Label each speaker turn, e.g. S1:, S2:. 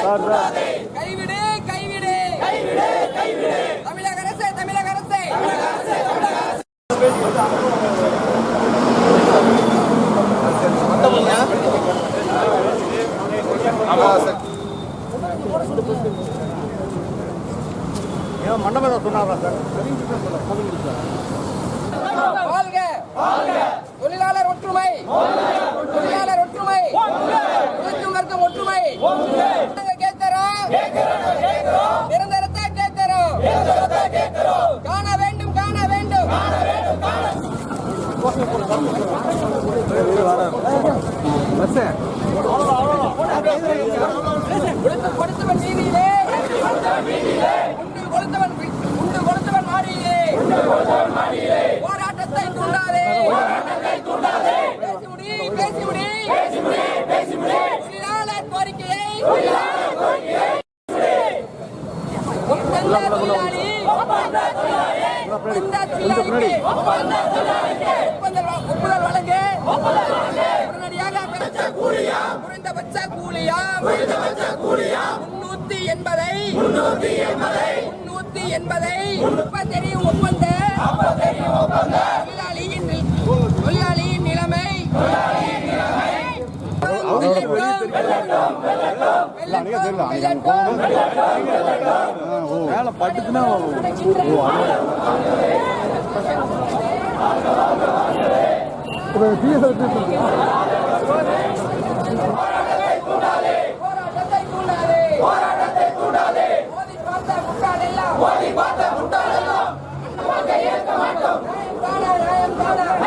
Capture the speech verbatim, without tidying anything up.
S1: கைவிடு கைவிடு தமிழக அரசே தமிழக அரசே
S2: மண்டபம் சொன்னாரா சார்?
S1: வாழ்க தொழிலாளர் ஒற்றுமை, தொழிலாளர் ஒற்றுமை, உழைக்கும் வர்க்கம் ஒற்றுமை. கேட்கிறோம் நிரந்தரத்தை கேட்கிறோம், காண வேண்டும் காண வேண்டும். கொடுத்தவன் நீதியிலே, உண்டு கொடுத்தவன் உண்டு கொடுத்தவன் மாடியிலே. போராட்டத்தை தூண்டாதே, பேசி முடி பேசி முடி தொழிலாளர் கோரிக்கையை ஒப்பந்த தொழிலாளி ஒப்பந்த தொழிலாளிக்கு ஒப்புதல் வழங்க உடனடியாக குறைந்தபட்ச கூலியா முன்னூத்தி எண்பதை முன்னூத்தி எண்பதை தெரியும் ஒப்பந்த தொழிலாளியின் தொழிலாளியின் நிலைமை
S2: பட்டுச்சுன்னா
S1: மோதி பார்த்த முட்டாளெல்லாம் ஏற்க மாட்டோம்.